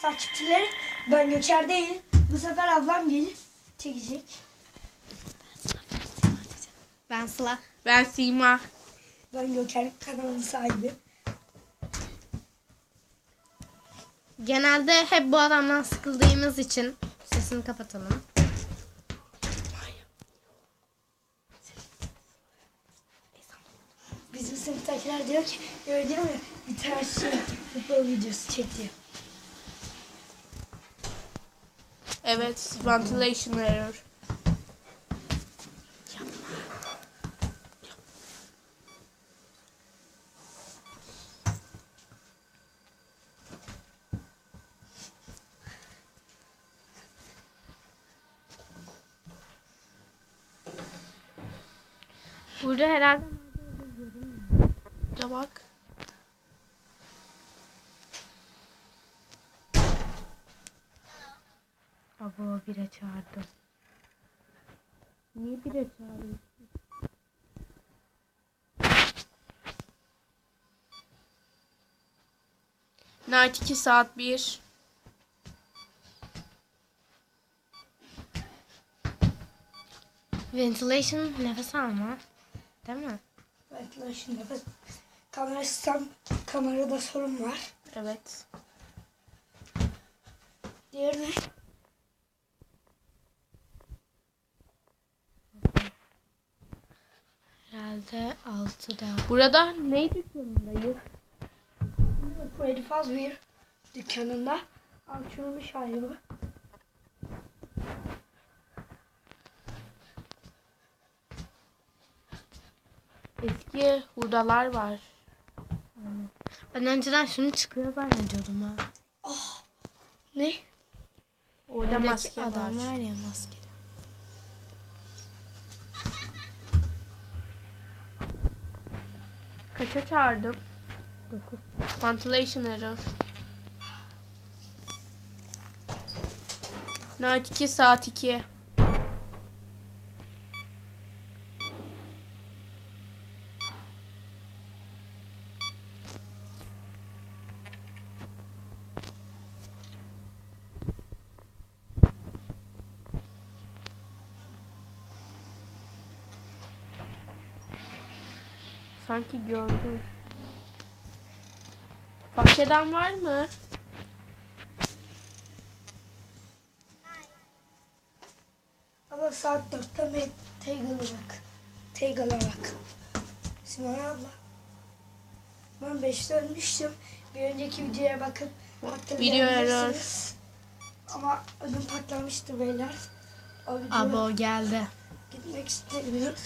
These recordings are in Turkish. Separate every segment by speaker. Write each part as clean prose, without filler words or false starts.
Speaker 1: takipçileri. Ben Göker değil. Bu sefer ablam gelip çekecek.
Speaker 2: Ben Sıla.
Speaker 3: Ben Sima.
Speaker 1: Ben Göker kanalının sahibi.
Speaker 2: Genelde hep bu adamdan sıkıldığımız için sesini kapatalım.
Speaker 1: Bizim sınıftakiler diyor ki gördün mü bir tane futbol videosu çekti.
Speaker 3: Evet, ventilation error.
Speaker 2: Burada herhalde
Speaker 3: Da bak.
Speaker 2: Abo bire çağırdım.
Speaker 3: Niye bire çağırıyorsun? Night 2 saat 1.
Speaker 2: Ventilation nefes alma. Değil mi?
Speaker 1: Evet lan şimdi bak. Kamerada sorun var.
Speaker 3: Evet.
Speaker 1: Diğer ne?
Speaker 2: Herhalde 6'da.
Speaker 3: Burada ne dükkanındayız?
Speaker 1: Freddy Fazbear dükkanında açılmış hali bu.
Speaker 3: Eski hurdalar var.
Speaker 2: Ben önceden şunu çıkıyor zannediyordum ha.
Speaker 1: Ne?
Speaker 3: Orada
Speaker 2: Oradaki
Speaker 3: maske var.
Speaker 2: adam var ya maske.
Speaker 3: Kaça çağırdım?
Speaker 2: 9.
Speaker 3: Ventilation error. Night 2 saat 2. Sanki gördüm. Bahçeden var mı?
Speaker 1: Ama saat 4'te Tegal'a bak. Simon abla. Ben 5'te ölmüştüm. Bir önceki videoya bakıp
Speaker 3: Video error.
Speaker 1: hatırlayabilirsiniz. Ama ödüm patlamıştı beyler. O videoya
Speaker 2: Abo geldi.
Speaker 1: gitmek istemiyorum.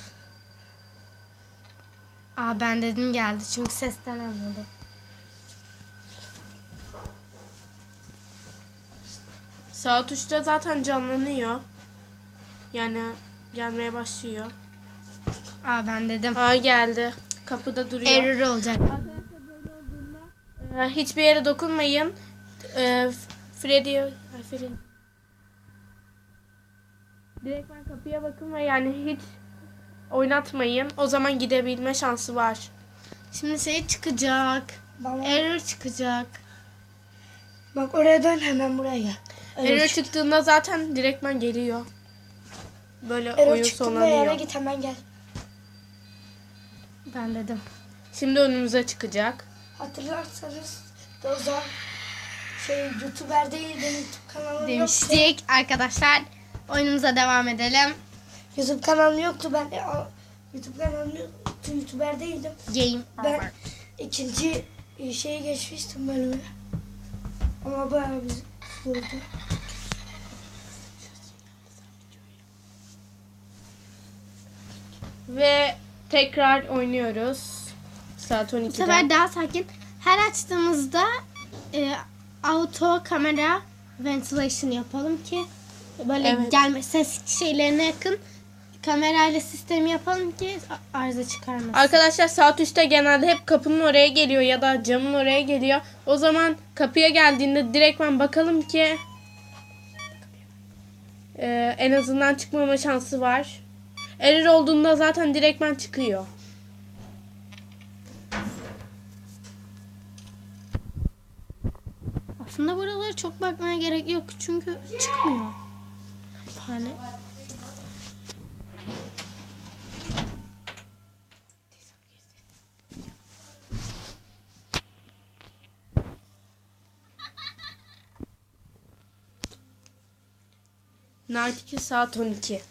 Speaker 2: Aa ben dedim geldi çünkü sesten anladım.
Speaker 3: Saat 3'te zaten canlanıyor. Yani gelmeye başlıyor.
Speaker 2: Aa ben dedim.
Speaker 3: Aa geldi. Kapıda duruyor.
Speaker 2: Error olacak.
Speaker 3: Hiçbir yere dokunmayın. Freddy. Direkt ben kapıya bakın ve yani hiç oynatmayın. O zaman gidebilme şansı var.
Speaker 2: Şimdi şey çıkacak.
Speaker 1: Bana,
Speaker 2: Error çıkacak.
Speaker 1: bak oraya dön hemen buraya gel.
Speaker 3: Error çıktığında zaten direktmen geliyor. Böyle
Speaker 1: Error
Speaker 3: oyun
Speaker 1: çıktığında yere
Speaker 3: sonlanıyor.
Speaker 1: git hemen gel.
Speaker 2: Ben dedim.
Speaker 3: Şimdi önümüze çıkacak.
Speaker 1: Hatırlarsanız o zaman YouTuber değil benim YouTube kanalım yoktu.
Speaker 2: Demiştik arkadaşlar. Oyunumuza devam edelim.
Speaker 1: YouTube kanalım yoktu ben YouTube kanalım yoktu. YouTuber değildim.
Speaker 2: Game
Speaker 1: Ben
Speaker 2: over.
Speaker 1: ikinci şeyi geçmiştim bölümü. Ama bayağı bir zordu.
Speaker 3: Ve tekrar oynuyoruz. Saat
Speaker 2: Bu
Speaker 3: 12'de.
Speaker 2: sefer daha sakin. Her açtığımızda auto kamera ventilation yapalım ki böyle
Speaker 3: Evet.
Speaker 2: gelme ses şeylerine yakın kamerayla sistemi yapalım ki arıza çıkarmasın.
Speaker 3: Arkadaşlar saat 3'te genelde hep kapının oraya geliyor ya da camın oraya geliyor. O zaman kapıya geldiğinde direktmen bakalım ki en azından çıkmama şansı var. Error olduğunda zaten direktmen çıkıyor.
Speaker 2: Aslında buralara çok bakmaya gerek yok çünkü çıkmıyor. Fare.
Speaker 3: Night 2 saat 12.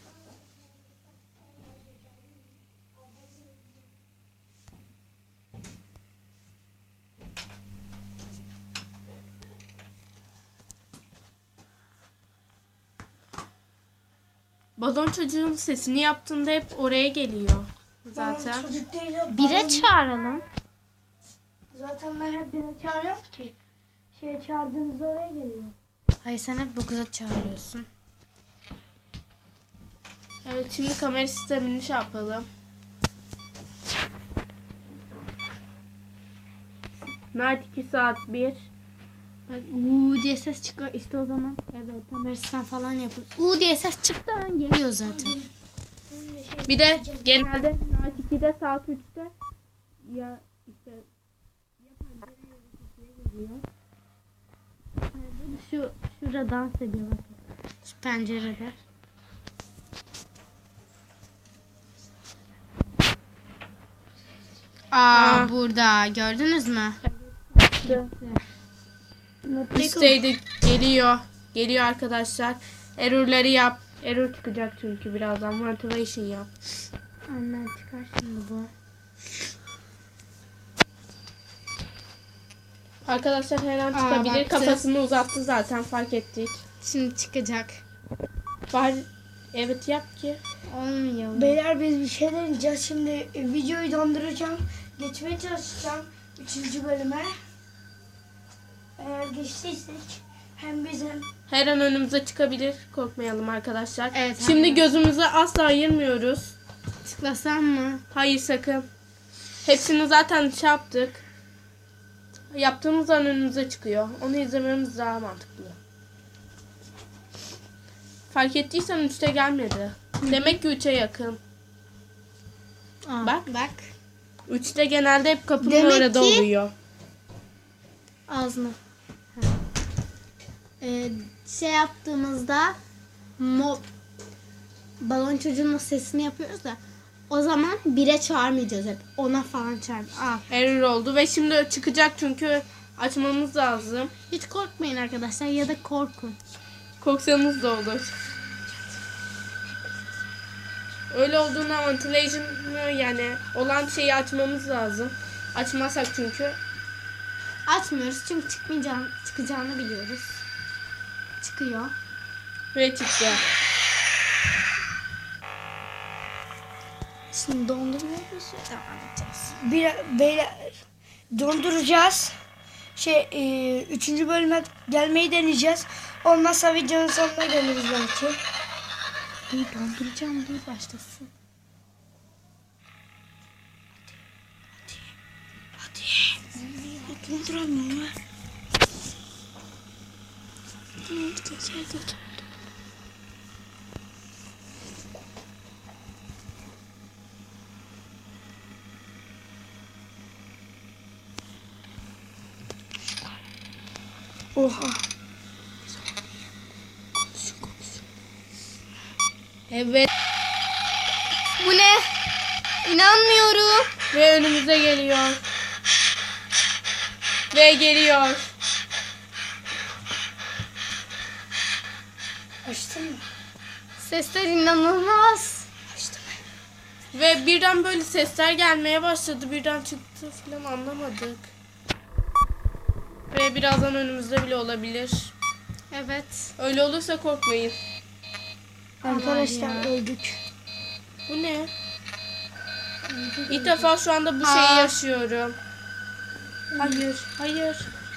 Speaker 3: Balon çocuğun sesini yaptığında hep oraya geliyor. Zaten.
Speaker 1: Çocuk değil.
Speaker 2: Bire çağıralım.
Speaker 1: Zaten ben hep beni çağırıyorum ki. Çağırdığınızda oraya geliyor.
Speaker 2: Hayır sen hep 9'a çağırıyorsun.
Speaker 3: Evet, şimdi kamera sistemini şey yapalım. Night 2 saat 1.
Speaker 2: Bak uuu diye ses çıkıyor işte o zaman. Evet kamerasından falan yapın. Uuu diye ses çıktı geliyor zaten.
Speaker 3: Bir de genelde Night 2'de saat 3'te ya işte geliyor.
Speaker 2: Şurada dans ediyor bakın. Şu pencerede. Aa burada gördünüz mü?
Speaker 3: Üstteydi, geliyor. Geliyor arkadaşlar. Error'ları yap. Error çıkacak çünkü birazdan. Motivation yap.
Speaker 2: Annen çıkar şimdi bu.
Speaker 3: Arkadaşlar her an
Speaker 2: Aa,
Speaker 3: çıkabilir.
Speaker 2: baktı.
Speaker 3: Kafasını uzattı zaten, fark ettik.
Speaker 2: Şimdi çıkacak.
Speaker 3: Var. Evet yap ki.
Speaker 2: Olmuyor.
Speaker 1: Beyler biz bir şey deneyeceğiz. Şimdi videoyu donduracağım. Geçmeye çalışacağım 3. bölüme. Eğer geçtiysek hem bizim
Speaker 3: Her an önümüze çıkabilir. Korkmayalım arkadaşlar.
Speaker 2: Evet,
Speaker 3: Şimdi
Speaker 2: aynen.
Speaker 3: gözümüzü asla ayırmıyoruz.
Speaker 2: Tıklasam mı?
Speaker 3: Hayır sakın. Hepsini zaten şey yaptık. Yaptığımız an önümüze çıkıyor. Onu izlememiz daha mantıklı. Fark ettiysen 3'te gelmedi. Demek ki 3'e yakın.
Speaker 2: Aa,
Speaker 3: Bak.
Speaker 2: Bak.
Speaker 3: 3'te genelde hep kapının
Speaker 2: Demek
Speaker 3: orada
Speaker 2: ki-
Speaker 3: oluyor.
Speaker 2: Ağzına. Şey yaptığımızda balon çocuğun sesini yapıyoruz da o zaman 1'e çağırmayacağız hep. Ona falan çağır.
Speaker 3: Error oldu ve şimdi çıkacak çünkü açmamız lazım.
Speaker 2: Hiç korkmayın arkadaşlar ya da korkun.
Speaker 3: Korksanız da olur. Öyle olduğunda ventilation'ı yani olan şeyi açmamız lazım. Açmazsak çünkü
Speaker 2: Açmıyoruz çünkü çıkacağını biliyoruz. Çıkıyor.
Speaker 3: ve çıktı.
Speaker 2: Şimdi donduruyoruz ve devam edeceğiz.
Speaker 1: beyler donduracağız. 3. bölüme gelmeyi deneyeceğiz. Olmazsa videonun sonuna geliriz belki.
Speaker 2: Dur donduracağım dur başlasın.
Speaker 1: Donduramıyorum ya. Oha.
Speaker 3: Evet
Speaker 2: Bu ne? İnanmıyorum.
Speaker 3: ve önümüze geliyor. Ve geliyor.
Speaker 1: Açtın mı?
Speaker 2: Sesler inanılmaz.
Speaker 1: Açtım.
Speaker 3: Ve birden böyle sesler gelmeye başladı. Birden çıktı falan anlamadık. Ve birazdan önümüzde bile olabilir.
Speaker 2: Evet.
Speaker 3: Öyle olursa korkmayın.
Speaker 1: Arkadaşlar
Speaker 2: ya.
Speaker 1: öldük.
Speaker 3: Bu ne? İlk defa şu anda bu şeyi
Speaker 2: Aa.
Speaker 3: yaşıyorum. Hayır, hayır.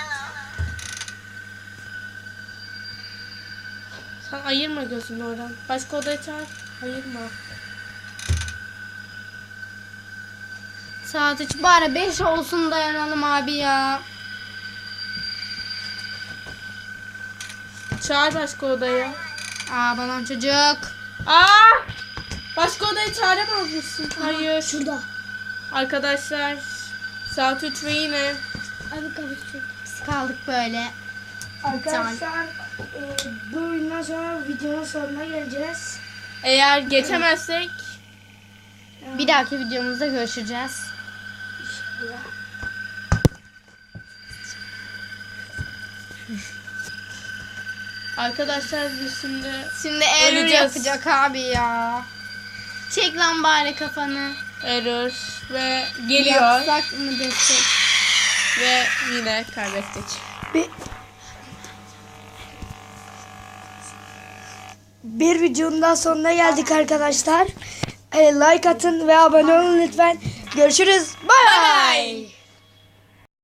Speaker 3: Sen ayırma gözünü oradan. Başka odaya çağır. Ayırma.
Speaker 2: Saat 3 bari 5 olsun dayanalım abi ya.
Speaker 3: Çağır başka odaya.
Speaker 2: Balon çocuk.
Speaker 3: Aa! Başka odaya çağıramaz mısın? Hayır.
Speaker 1: Şurada.
Speaker 3: Arkadaşlar saat 3 ve yine
Speaker 1: Abi kapatacağım.
Speaker 2: Biz kaldık böyle.
Speaker 1: Arkadaşlar bu oyundan sonra videonun sonuna geleceğiz.
Speaker 3: Eğer geçemezsek
Speaker 2: Bir dahaki videomuzda görüşeceğiz.
Speaker 3: arkadaşlar biz şimdi
Speaker 2: Şimdi error
Speaker 3: Öleceğiz.
Speaker 2: yapacak abi ya. Çek lan bari kafanı.
Speaker 3: error ve geliyor
Speaker 2: Yapsak mı desek?
Speaker 3: ve yine kaybettik.
Speaker 1: Bir videonun daha sonuna geldik arkadaşlar. Like atın ve abone olun lütfen. Görüşürüz. Bay bay.